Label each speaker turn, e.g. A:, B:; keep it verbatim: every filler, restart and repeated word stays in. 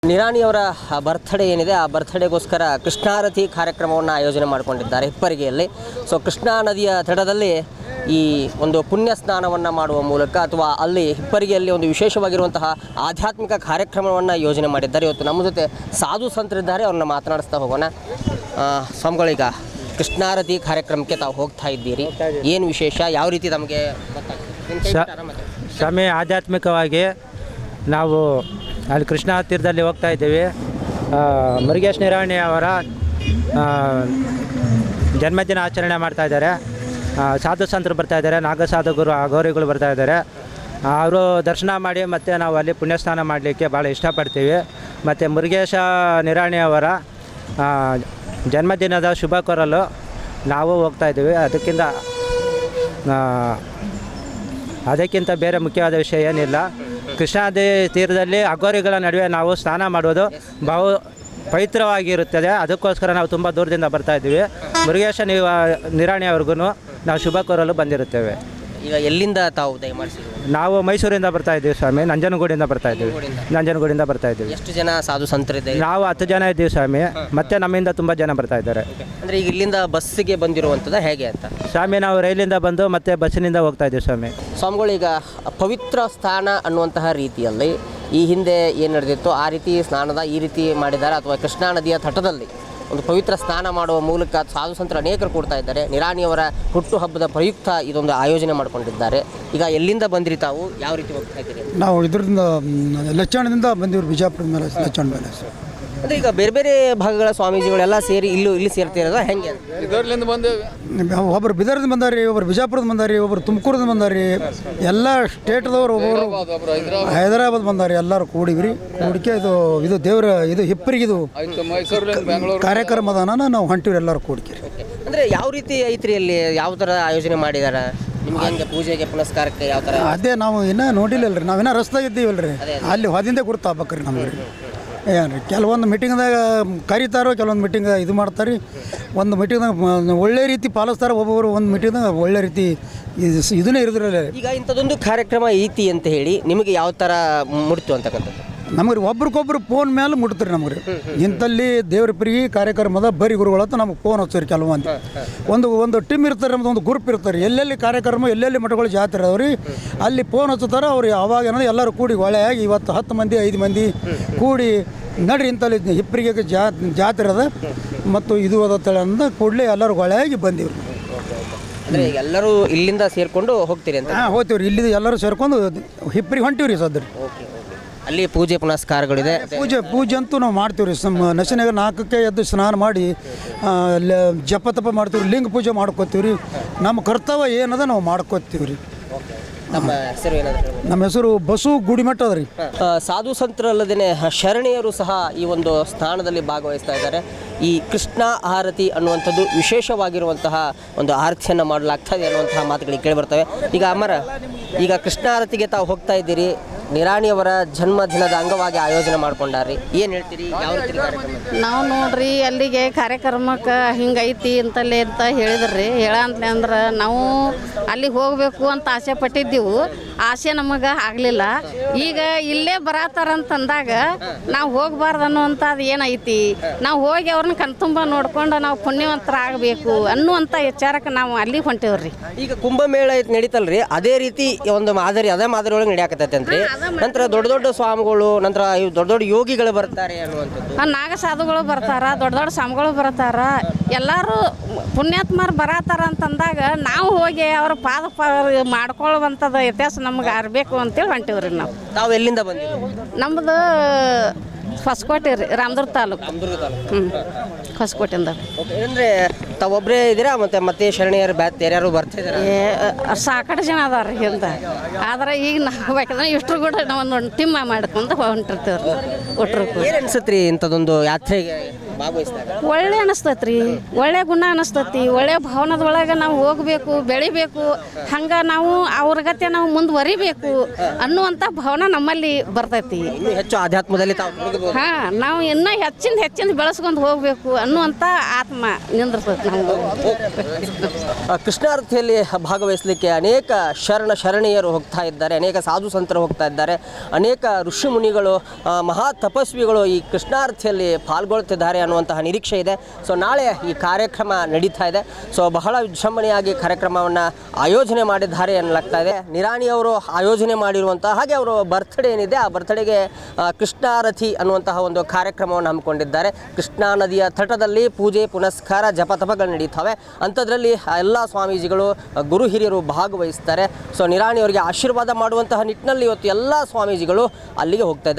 A: ನಿರಾಣಿಯವರ birthday ಏನಿದೆ ಆ ಬರ್ತ್ಡೇಗೋಸ್ಕರ ಕೃಷ್ಣಾರತಿ ಕಾರ್ಯಕ್ರಮವನ್ನು ಆಯೋಜನೆ ಮಾಡಿಕೊಂಡಿದ್ದಾರೆ ಹಿಪ್ಪರಿಗೆಯಲ್ಲಿ. ಸೊ ಕೃಷ್ಣಾ ನದಿಯ ತಟದಲ್ಲಿ ಈ ಒಂದು ಪುಣ್ಯ ಸ್ನಾನವನ್ನು ಮಾಡುವ ಮೂಲಕ ಅಥವಾ ಅಲ್ಲಿ ಹಿಪ್ಪರಿಗೆಯಲ್ಲಿ ಒಂದು ವಿಶೇಷವಾಗಿರುವಂತಹ ಆಧ್ಯಾತ್ಮಿಕ ಕಾರ್ಯಕ್ರಮವನ್ನು ಯೋಜನೆ ಮಾಡಿದ್ದಾರೆ. ಇವತ್ತು ನಮ್ಮ ಜೊತೆ ಸಾಧು ಸಂತರಿದ್ದಾರೆ, ಅವ್ರನ್ನ ಮಾತನಾಡಿಸ್ತಾ ಹೋಗೋಣ. ಸ್ವಾಮಿಗಳೀಗ ಕೃಷ್ಣಾರತಿ ಕಾರ್ಯಕ್ರಮಕ್ಕೆ ತಾವು ಹೋಗ್ತಾ ಇದ್ದೀರಿ, ಏನು ವಿಶೇಷ, ಯಾವ ರೀತಿ ತಮಗೆ
B: ಸ್ವಾಮಿ? ಆಧ್ಯಾತ್ಮಿಕವಾಗಿ ನಾವು ಅಲ್ಲಿ ಕೃಷ್ಣಾ ತೀರದಲ್ಲಿ ಹೋಗ್ತಾ ಇದ್ದೀವಿ. ಮುರುಗೇಶ್ ನಿರಾಣಿ ಅವರ ಜನ್ಮದಿನ ಆಚರಣೆ ಮಾಡ್ತಾ ಇದ್ದಾರೆ. ಸಾಧು ಸಂತರು ಬರ್ತಾ ಇದ್ದಾರೆ, ನಾಗಸಾಧುಗುರು ಅಘೋರಿಗಳು ಬರ್ತಾ ಇದ್ದಾರೆ. ಅವರು ದರ್ಶನ ಮಾಡಿ ಮತ್ತು ನಾವು ಅಲ್ಲಿ ಪುಣ್ಯಸ್ನಾನ ಮಾಡಲಿಕ್ಕೆ ಭಾಳ ಇಷ್ಟಪಡ್ತೀವಿ. ಮತ್ತು ಮುರುಗೇಶ ನಿರಾಣಿ ಅವರ ಜನ್ಮದಿನದ ಶುಭ ಕೋರಲು ನಾವು ಹೋಗ್ತಾ ಇದ್ದೀವಿ. ಅದಕ್ಕಿಂತ ಅದಕ್ಕಿಂತ ಬೇರೆ ಮುಖ್ಯವಾದ ವಿಷಯ ಏನಿಲ್ಲ. ಕೃಷ್ಣಾ ತೀರದಲ್ಲಿ ಅಘೋರಿಗಳ ನಡುವೆ ನಾವು ಸ್ನಾನ ಮಾಡೋದು ಬಹು ಪವಿತ್ರವಾಗಿರುತ್ತದೆ. ಅದಕ್ಕೋಸ್ಕರ ನಾವು ತುಂಬ ದೂರದಿಂದ ಬರ್ತಾ ಇದ್ದೀವಿ. ಮುರುಗೇಶ ನಿರಾಣಿ ಅವ್ರಿಗೂ ನಾವು ಶುಭ ಕೋರಲು ಬಂದಿರುತ್ತೇವೆ.
A: ಈಗ ಎಲ್ಲಿಂದ ತಾವು ದಯಮಾಡಿಸಿದ್ರು?
B: ನಾವು ಮೈಸೂರಿಂದ ಬರ್ತಾ ಇದ್ದೀವಿ ಸ್ವಾಮಿ, ನಂಜನಗೂಡಿಂದ ಬರ್ತಾ ಇದ್ದೀವಿ. ನಂಜನಗೂಡಿಂದ ಬರ್ತಾ ಇದ್ದೀವಿ.
A: ಎಷ್ಟು ಜನ ಸಾಧು ಸಂತರಿದ್ದಾರೆ?
B: ನಾವು ಹತ್ತು ಜನ ಇದ್ದೀವಿ ಸ್ವಾಮಿ, ಮತ್ತೆ ನಮ್ಮಿಂದ ತುಂಬ ಜನ ಬರ್ತಾ ಇದ್ದಾರೆ.
A: ಅಂದರೆ ಈಗ ಇಲ್ಲಿಂದ ಬಸ್ಸಿಗೆ ಬಂದಿರುವಂಥದ್ದು ಹೇಗೆ ಅಂತ?
B: ಸ್ವಾಮಿ ನಾವು ರೈಲಿಂದ ಬಂದು ಮತ್ತೆ ಬಸ್ಸಿನಿಂದ ಹೋಗ್ತಾ ಇದ್ದೀವಿ ಸ್ವಾಮಿ.
A: ಸ್ವಾಮಿಗಳು, ಈಗ ಪವಿತ್ರ ಸ್ಥಾನ ಅನ್ನುವಂತಹ ರೀತಿಯಲ್ಲಿ ಈ ಹಿಂದೆ ಏನು ನಡೆದಿತ್ತು ಆ ರೀತಿ ಸ್ನಾನದ ಈ ರೀತಿ ಮಾಡಿದ್ದಾರೆ, ಅಥವಾ ಕೃಷ್ಣಾ ನದಿಯ ತಟದಲ್ಲಿ ಒಂದು ಪವಿತ್ರ ಸ್ನಾನ ಮಾಡುವ ಮೂಲಕ ಸಾಧು ಸಂತರು ಅನೇಕರು ಕೊಡ್ತಾ ಇದ್ದಾರೆ. ನಿರಾಣಿಯವರ ಹುಟ್ಟುಹಬ್ಬದ ಪ್ರಯುಕ್ತ ಇದೊಂದು ಆಯೋಜನೆ ಮಾಡಿಕೊಂಡಿದ್ದಾರೆ. ಈಗ ಎಲ್ಲಿಂದ ಬಂದಿರಿ ತಾವು, ಯಾವ ರೀತಿ ಹೋಗ್ತಾ ಇದ್ದೀರಿ?
C: ನಾವು ಇದರಿಂದ ಲಚ್ಚಾಣದಿಂದ ಬಂದಿವ್ರು, ಬಿಜಾಪುರದ ಮೇಲೆ ಲಚ್ಚಾಣ ಮೇಲೆ.
A: ಅಂದರೆ ಈಗ ಬೇರೆ ಬೇರೆ ಭಾಗಗಳ ಸ್ವಾಮೀಜಿಗಳೆಲ್ಲ ಸೇರಿ ಇಲ್ಲೂ ಇಲ್ಲಿ ಸೇರ್ತಿರೋದು ಹೆಂಗೆ?
D: ಇದರ್ಲಿಂದ ಬಂದೇವೆ.
C: ಒಬ್ಬರು ಬಿದರ್ದಿಂದ ಬಂದಾರಿ, ಒಬ್ಬರು ಬಿಜಾಪುರದ ಬಂದಾರಿ, ಒಬ್ಬರು ತುಮಕೂರಿಂದ ಬಂದಾರಿ, ಎಲ್ಲ ಸ್ಟೇಟ್ದವ್ರು, ಒಬ್ಬರು ಹೈದರಾಬಾದ್ ಬಂದಾರಿ. ಎಲ್ಲರೂ ಕೂಡಿವ್ರಿ. ಕೂಡಿಕೆ ಇದು ಇದು ದೇವರ ಇದು ಹಿಪ್ಪರಿಗೆ ಇದು ಕಾರ್ಯಕ್ರಮ ಅದಾನ, ನಾವು ಹೊಂಟಿವ್ರಿ ಎಲ್ಲರೂ ಕೂಡಿಕೆ.
A: ಅಂದರೆ ಯಾವ ರೀತಿ ಐತ್ರಿ ಅಲ್ಲಿ, ಯಾವ ಥರ ಆಯೋಜನೆ ಮಾಡಿದಾರೆ? ನಿಮ್ಗೆ ಹೆಂಗೆ ಪೂಜೆಗೆ ಪುನಸ್ಕಾರಕ್ಕೆ ಯಾವ ಥರ?
C: ಅದೇ ನಾವು ಇನ್ನೂ ನೋಡಿಲ್ಲಲ್ರಿ, ನಾವಿನ್ನೂ ರಸ್ತಾಗ ಇದ್ದೀವಲ್ರಿ, ಅಲ್ಲಿ ಹೊದಿಂದ ಗುರುತಾಗ್ಬೇಕ್ರಿ ನಮ್ಗೆ. ಏನು ರೀ, ಕೆಲವೊಂದು ಮೀಟಿಂಗ್ದಾಗ ಕರೀತಾರೋ, ಕೆಲವೊಂದು ಮೀಟಿಂಗ್ ಇದು ಮಾಡ್ತಾರೆ. ಒಂದು ಮೀಟಿಂಗ್ದಾಗ ಒಳ್ಳೆ ರೀತಿ ಪಾಲಿಸ್ತಾರೆ, ಒಬ್ಬೊಬ್ಬರು ಒಂದು ಮೀಟಿಂಗ್ದಾಗ ಒಳ್ಳೆ ರೀತಿ ಇದು ಇದನ್ನೇ ಇರೋದ್ರಲ್ಲ.
A: ಈಗ ಇಂಥದ್ದೊಂದು ಕಾರ್ಯಕ್ರಮ ಐತಿ ಅಂತ ಹೇಳಿ ನಿಮಗೆ ಯಾವ ಥರ ಮುಡ್ತು ಅಂತಕ್ಕಂಥದ್ದು?
C: ನಮಗೆ ರೀ ಒಬ್ರಿಗೊಬ್ರು ಫೋನ್ ಮೇಲೆ ಮುಟ್ತಾರೆ ನಮ್ಗೆ ರೀ. ಇಂಥಲ್ಲಿ ದೇವ್ರ ಪ್ರಿಯಿ ಕಾರ್ಯಕ್ರಮದ ಬರಿ ಗುರುಗಳಂತ ನಮಗೆ ಫೋನ್ ಹಚ್ಚಾರಿ. ಕೆಲವೊಂದು ಒಂದು ಒಂದು ಟೀಮ್ ಇರ್ತಾರೆ, ನಮ್ದು ಒಂದು ಗ್ರೂಪ್ ಇರ್ತಾರೆ. ಎಲ್ಲೆಲ್ಲಿ ಕಾರ್ಯಕ್ರಮ, ಎಲ್ಲೆಲ್ಲಿ ಮಠಗಳು ಜಾತ್ರೆ ಅದಾವ್ರಿ, ಅಲ್ಲಿ ಫೋನ್ ಹಚ್ಚುತ್ತಾರೆ. ಅವ್ರು ಅವಾಗ ಏನಂದ್ರೆ ಎಲ್ಲರೂ ಕೂಡಿ ಒಳ್ಳೆಯಾಗಿ ಇವತ್ತು ಹತ್ತು ಮಂದಿ ಐದು ಮಂದಿ ಕೂಡಿ ನಡ್ರಿ ಇಂಥಲ್ಲಿ ಹಿಪ್ಪರಿಗೆ ಜಾ ಜಾತ್ರೆ ಅದ ಮತ್ತು ಇದು ಅದ ಅಂದ ಕೂಡಲೇ ಎಲ್ಲರೂ ಒಳ್ಳೆಯಾಗಿ ಬಂದೀವ್ರಿ.
A: ಅಂದರೆ ಎಲ್ಲರೂ ಇಲ್ಲಿಂದ ಸೇರಿಕೊಂಡು ಹೋಗ್ತೀರಿ ಅಂತ?
C: ಹಾಂ, ಹೋಗ್ತೀವ್ರಿ. ಇಲ್ಲಿ ಎಲ್ಲರೂ ಸೇರ್ಕೊಂಡು ಹಿಪ್ಪರಿಗೆ ಹೊಂಟಿವ್ರಿ ಸದ್ರಿ.
A: ಓಕೆ, ಅಲ್ಲಿ ಪೂಜೆ ಪುನಸ್ಕಾರಗಳಿದೆ.
C: ಪೂಜೆ ಪೂಜೆ ಅಂತೂ ನಾವು ಮಾಡ್ತೀವಿ ರೀ. ನಮ್ಮ ನಶನಾಗ ನಾಲ್ಕಕ್ಕೆ ಎದ್ದು ಸ್ನಾನ ಮಾಡಿ ಜಪ ತಪ ಮಾಡ್ತೀವಿ, ಲಿಂಗ ಪೂಜೆ ಮಾಡ್ಕೋತೀವಿ ರೀ. ನಮ್ಮ ಕರ್ತವ್ಯ ಏನದ ನಾವು ಮಾಡ್ಕೋತೀವಿ ರೀ.
A: ನಮ್ಮ ಹೆಸರು ಏನಾದರೂ?
C: ನಮ್ಮ ಹೆಸರು ಬಸು ಗುಡಿಮಠ ಅದ ರೀ.
A: ಸಾಧು ಸಂತರಲ್ಲದೇ ಶರಣೆಯರು ಸಹ ಈ ಒಂದು ಸ್ಥಾನದಲ್ಲಿ ಭಾಗವಹಿಸ್ತಾ ಇದ್ದಾರೆ. ಈ ಕೃಷ್ಣ ಆರತಿ ಅನ್ನುವಂಥದ್ದು ವಿಶೇಷವಾಗಿರುವಂತಹ ಒಂದು ಆರತಿಯನ್ನು ಮಾಡಲಾಗ್ತಾ ಇದೆ ಅನ್ನುವಂತಹ ಮಾತುಗಳಿಗೆ ಕೇಳಿ ಬರ್ತವೆ. ಈಗ ಅಮರ, ಈಗ ಕೃಷ್ಣ ಆರತಿಗೆ ತಾವು ಹೋಗ್ತಾ ಇದ್ದೀರಿ, ನಿರಾಣಿಯವರ ಜನ್ಮದಿನದ ಅಂಗವಾಗಿ ಆಯೋಜನೆ ಮಾಡ್ಕೊಂಡಾರ್ರಿ, ಏನು ಹೇಳ್ತೀರಿ? ಯಾವ ರೀತಿ ಕಾರ್ಯಕ್ರಮ?
E: ನಾವು ನೋಡ್ರಿ ಅಲ್ಲಿಗೆ ಕಾರ್ಯಕ್ರಮಕ್ಕೆ ಹಿಂಗೈತಿ ಅಂತಲ್ಲಿ ಅಂತ ಹೇಳಿದ್ರಿ. ಹೇಳಂತಲೇ ಅಂದ್ರೆ ನಾವು ಅಲ್ಲಿಗೆ ಹೋಗಬೇಕು ಅಂತ ಆಸೆ ಪಟ್ಟಿದ್ದೀವಿ. ಆಸೆ ನಮಗೆ ಆಗಲಿಲ್ಲ. ಈಗ ಇಲ್ಲೇ ಬರತ್ತಾರಂತಂದಾಗ ನಾವು ಹೋಗಬಾರ್ದು ಅನ್ನುವಂಥದ್ದು ಏನೈತಿ, ನಾವು ಹೋಗಿ ಅವ್ರನ್ನ ಕಣ್ತುಂಬ ನೋಡ್ಕೊಂಡು ನಾವು ಪುಣ್ಯವಂತರ ಆಗಬೇಕು ಅನ್ನುವಂಥ ವಿಚಾರಕ್ಕೆ ನಾವು ಅಲ್ಲಿಗೆ ಹೊಂಟೇವ್ರಿ.
A: ಈಗ ಕುಂಭಮೇಳ ನಡೀತಲ್ರಿ, ಅದೇ ರೀತಿ ಒಂದು ಮಾದರಿ, ಅದೇ ಮಾದರಿ ಒಳಗೆ ನಡೆಯಾಕತ್ತೈತೆ ಅಂತ್ರಿ. ನಂತರ ದೊಡ್ಡ ದೊಡ್ಡ ಸ್ವಾಮಿಗಳು, ನಂತರ ದೊಡ್ಡ ದೊಡ್ಡ ಯೋಗಿಗಳು ಬರ್ತಾರೆ ಅನ್ನುವಂಥದ್ದು.
E: ನಾಗ ಸಾಧುಗಳು ಬರ್ತಾರ, ದೊಡ್ಡ ದೊಡ್ಡ ಸ್ವಾಮಿಗಳು ಬರ್ತಾರ, ಎಲ್ಲರೂ ಪುಣ್ಯಾತ್ಮರು ಬರತ್ತಾರ ಅಂತಂದಾಗ ನಾವು ಹೋಗಿ ಅವ್ರ ಪಾದ ಮಾಡ್ಕೊಳ್ಳುವಂಥದ್ದು ಇತಿಹಾಸ ನಮ್ಗೆ ಅರ್ಬೇಕು ಅಂತೇಳಿ ಹೊಂಟಿವ್ರಿ. ನಾವು
A: ತಾವು ಎಲ್ಲಿಂದ ಬಂದಿದ್ದೀವಿ?
E: ನಮ್ಮದು ಹೊಸಕೋಟೆ ರೀ, ರಾಮದುರ್ಗ ತಾಲೂಕು. ಹ್ಞೂ, ಹೊಸಕೋಟೆಯಿಂದ.
A: ಓಕೆ, ಅಂದರೆ ತಾವೊಬ್ಬರೇ ಇದ್ದೀರಾ ಮತ್ತೆ ಮತ್ತೆ ಶರಣೆಯರು ಬ್ಯಾತ್ ಯಾರ್ಯಾರು ಬರ್ತಿದ್ದಾರೆ?
E: ಏ ಸಾಕಷ್ಟು ಜನ ಅದಾರ ರೀ ಹಿಂದೆ. ಆದ್ರೆ ಈಗ ನಾವು ಬೇಕಂದ್ರೆ ಇಷ್ಟರು ಕೂಡ ನಾವು ಒಂದು ಟಿಮ್ಮ ಮಾಡ್ಕೊಂಡು ಹೊಂಟಿರ್ತೀವ್ರಿ. ಒಟ್ಟರು
A: ಏನು ಅನ್ಸುತ್ತೆ ರೀ ಇಂಥದ್ದೊಂದು ಯಾತ್ರೆಗೆ ಭಾಗವಹಿಸಿದಾಗ
E: ಒಳ್ಳೆ ಅನಿಸ್ತೈತ್ರಿ, ಒಳ್ಳೆ ಗುಣ ಅನಿಸ್ತೈತಿ, ಒಳ್ಳೆ ಭಾವನದೊಳಗೆ ನಾವು ಹೋಗಬೇಕು, ಬೆಳಿಬೇಕು, ಹಂಗೆ ನಾವು ಅವ್ರಗತೆ ನಾವು ಮುಂದುವರಿಬೇಕು ಅನ್ನುವಂಥ ಭಾವನೆ ನಮ್ಮಲ್ಲಿ ಬರ್ತೈತಿ.
A: ಇನ್ನೂ ಹೆಚ್ಚು ಆಧ್ಯಾತ್ಮದಲ್ಲಿ ತಾವು ತೊಡಗಬಹುದು.
E: ಹಾಂ, ನಾವು ಇನ್ನೂ ಹೆಚ್ಚಿಂದ ಹೆಚ್ಚಿಂದ ಬೆಳೆಸ್ಕೊಂಡು ಹೋಗಬೇಕು ಅನ್ನುವಂಥ ಆತ್ಮ ನಿಂದಿರ್ತೈತಿ ನಾವು.
A: ಆ, ಕೃಷ್ಣಾರತಿಯಲ್ಲಿ ಭಾಗವಹಿಸಲಿಕ್ಕೆ ಅನೇಕ ಶರಣ ಶರಣೀಯರು ಹೋಗ್ತಾ ಇದ್ದಾರೆ, ಅನೇಕ ಸಾಧು ಸಂತರು ಹೋಗ್ತಾ ಇದ್ದಾರೆ, ಅನೇಕ ಋಷಿ ಮುನಿಗಳು, ಆ, ಮಹಾ ತಪಸ್ವಿಗಳು ಈ ಕೃಷ್ಣಾರತಿಯಲ್ಲಿ ಪಾಲ್ಗೊಳ್ತಿದ್ದಾರೆ ಅನ್ನುವಂತಹ ನಿರೀಕ್ಷೆ ಇದೆ. ಸೊ ನಾಳೆ ಈ ಕಾರ್ಯಕ್ರಮ ನಡೀತಾ ಇದೆ. ಸೊ ಬಹಳ ವಿಜೃಂಭಣೆಯಾಗಿ ಕಾರ್ಯಕ್ರಮವನ್ನು ಆಯೋಜನೆ ಮಾಡಿದ್ದಾರೆ ಎನ್ನಲಾಗ್ತಾ ಇದೆ. ನಿರಾಣಿ ಅವರು ಆಯೋಜನೆ ಮಾಡಿರುವಂತಹ ಹಾಗೆ ಅವರು ಬರ್ತ್ಡೇ ಏನಿದೆ ಆ ಬರ್ತ್ಡೇಗೆ ಕೃಷ್ಣಾರತಿ ಅನ್ನುವಂತಹ ಒಂದು ಕಾರ್ಯಕ್ರಮವನ್ನು ಹಮ್ಮಿಕೊಂಡಿದ್ದಾರೆ. ಕೃಷ್ಣಾ ನದಿಯ ತಟದಲ್ಲಿ ಪೂಜೆ ಪುನಸ್ಕಾರ ಜಪ ತಪಗಳು ನಡೀತವೆ. ಅಂಥದ್ರಲ್ಲಿ ಎಲ್ಲ ಸ್ವಾಮೀಜಿಗಳು ಗುರು ಹಿರಿಯರು ಭಾಗವಹಿಸ್ತಾರೆ. ಸೊ ನಿರಾಣಿ ಅವರಿಗೆ ಆಶೀರ್ವಾದ ಮಾಡುವಂತಹ ನಿಟ್ಟಿನಲ್ಲಿ ಇವತ್ತು ಎಲ್ಲ ಸ್ವಾಮೀಜಿಗಳು ಅಲ್ಲಿಗೆ ಹೋಗ್ತಾ ಇದ್ದಾರೆ.